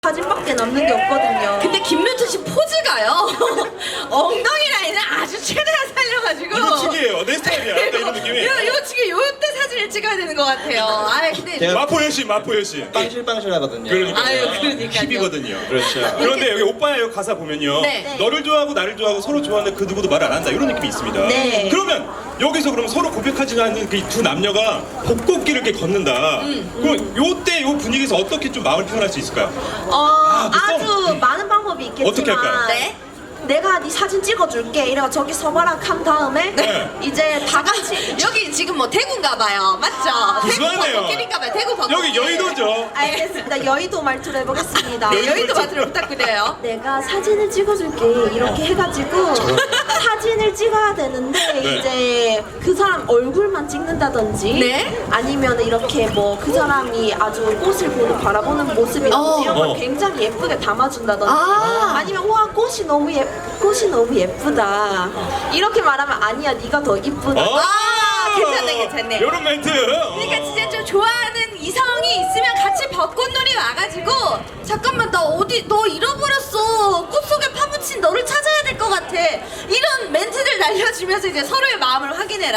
사진밖에 남는 게 없거든요. 근데 김루트 씨 포즈가요. 엉덩이 라인을 아주 최대한 살려가지고. 이거 튀기예요. 내 스타일이야. 약간 이런 느낌이. 이거 지금 요때 사진을 찍어야 되는 것 같아요. 아 근데. 제가 마포 여신, 마포 여신. 빵실빵실하거든요. 그러니까. 아유, 그러니까요. 힙이거든요. 그렇죠. 그런데 여기 오빠의 여기 가사 보면요. 네. 너를 좋아하고 나를 좋아하고 서로 좋아하는데 그 누구도 말 안 한다. 이런 느낌이 있습니다. 네. 그러면 여기서 그럼 서로 고백하지 않는 그 두 남녀가 벚꽃길을 이렇게 걷는다. 그럼 요때 요 분위기에서 어떻게 좀 마음을 표현할 수 있을까요? 어, 그 아주 썸. 많은 방법이 있겠지만 어떻게 할까요? 네. 내가 네 사진 찍어줄게 이래가 저기 서봐라 한 다음에 네. 이제 다 같이 여기 지금 뭐 대구인가봐요. 맞죠? 대구 구수하네요. 벚꽃길인가봐요. 대구 벚꽃. 여기 여의도죠. 알겠습니다. 여의도 말투로 해보겠습니다. 네, 여의도 마트를 부탁드려요. 내가 사진을 찍어줄게 이렇게 해가지고 사진을 찍어야 되는데 네. 이제 그 사람 얼굴만 찍는다든지 네. 아니면 이렇게 뭐 그 사람이 아주 꽃을 보고 바라보는 모습이라든지 이런 걸 어. 굉장히 예쁘게 담아준다든지 아. 아니면 와 꽃이 너무 예쁘다 이렇게 말하면 아니야 네가 더 이쁘다. 아, 괜찮네, 괜찮네. 이런 멘트. 그러니까 진짜 좀 좋아하는 이성이 있으면 같이 벚꽃놀이 와가지고 잠깐만 나 어디 너 잃어버렸어 꽃 속에 파묻힌 너를 찾아야 될 것 같아 이런 멘트들 날려주면서 이제 서로의 마음을 확인해라.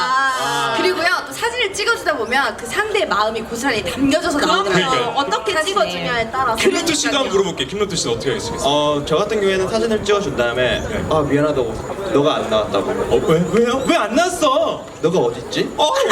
그리고요 또 사진을 찍어주다 보면 그 상대의 마음이 고스란히 담겨져서 나오더라고요. 그러니까요. 어떻게 사진에. 찍어주냐에 따라서 김노트 씨가 한번 물어볼게. 김노트 씨는 어떻게 하시겠어요? 저 같은 경우에는 사진을 찍어준 다음에 아 미안하다고 너가 안 나왔다고 왜요? 왜 안 났어? 너가 어딨지?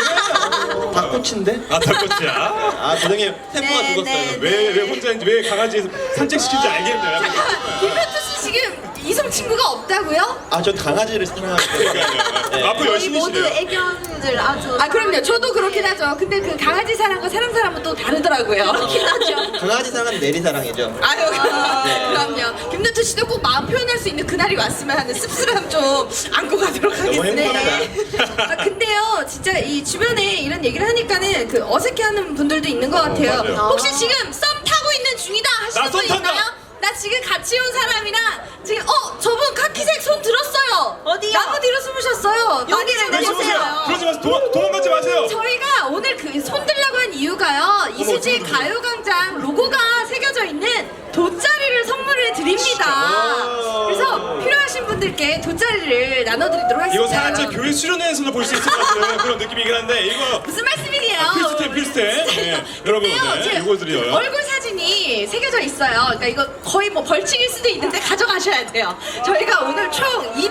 왜? 닭꼬치인데? 아, 닭꼬치야. 아 죄송해요 템포가 네, 죽었어요 네. 왜 혼자인지, 왜 강아지 산책시킨지 알겠네요. 김현주 씨 지금 이성 친구가 없다고요? 아 저 강아지를 사랑하거든요. 네. 마포 저희 모두 여신이시네요. 애견들 아주 아 그럼요 저도 그렇긴 하죠. 근데 그 강아지 사랑과 사람 사람은 또 다르더라고요. 그렇긴 하죠. 강아지 사랑은 내리 사랑이죠. 아유 네. 그럼요. 김누트 씨도 꼭 마음 표현할 수 있는 그날이 왔으면 하는 씁쓸함 좀 안고 가도록 너무 하겠습니다. 행복하다. 아, 근데요 진짜 이 주변에 이런 얘기를 하니까는 그 어색해하는 분들도 있는 것 같아요. 맞아요. 혹시 지금 썸 타고 있는 중이다 하시는 나 썸 분 탄다. 있나요? 나 지금 같이 온 사람이랑 지금 저분 카키색 손 들었어요. 어디요? 나무 뒤로 숨으셨어요. 여기를 많이 그러지 찾아주세요. 마세요. 그러지 마세요. 도망가지 마세요. 저희가 오늘 그 손들라고 한 이유가요. 이수지 어떡해. 가요광장 로고가 새겨져 있는 돗자리를 선물을 드립니다. 아. 그래서 필요하신 분들께 돗자리를 나눠드리도록 하겠습니다. 이거 살짝 교회 수련회에서는 볼 수 있을 것 같은 그런 느낌이긴 한데 이거 무슨 말씀이에요? 필수템. 네, 여러분, 네, 이거 드려요. 얼굴 사진이 새겨져 있어요. 그러니까 이거 거의 뭐 벌칙일 수도 있는데 가져가셔야 돼요. 저희가 오늘 총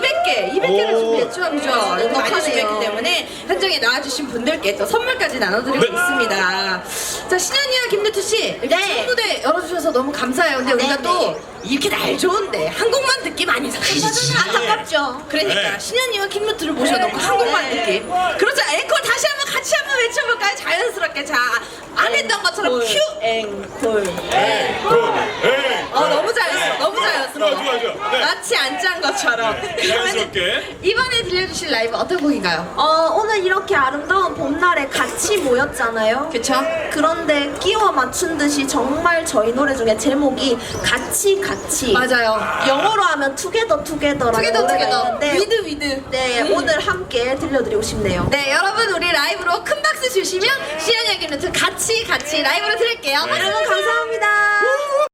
200개를 오. 준비했죠. 그죠? 많이 행복하네요. 준비했기 때문에 현장에 나와주신 분들께 또 선물까지 나눠드리고 네. 있습니다. 자, 신현이와 김누트 씨, 이렇게 네. 첫 무대 열어주셔서 너무 감사해요. 근데 우리가 네, 또 이렇게 날 좋은데 한 곡만 듣기 많이 섭섭하잖아. 안타깝죠. 그러니까 네. 신현이와 김누트를 모셔놓고 한 곡만 듣기. 그렇죠. 앵콜 다시 한번 같이 한번 외쳐볼까요? 자연스럽게. 자, 안 했던 것처럼 큐. 앵콜. 너무 자연스러워. 너무 자연스러워. 좋아. 네. 마치 안 짠 것처럼. 네, 자연스럽게. 이번에 들려주실 라이브 어떤 곡인가요? 오늘 이렇게 아름다운 봄날에 같이 모였잖아요. 그쵸? 그런데 끼워 맞춘 듯이 정말 저희 노래 중에 제목이 같이 맞아요. 영어로 하면 투게더라는 노래가 있는데 위드. 네 오늘 함께 들려드리고 싶네요. 네, 여러분 우리 라이브로 큰 박수 주시면 시연이 김누트 같이 라이브로 들을게요. 여러분 감사합니다.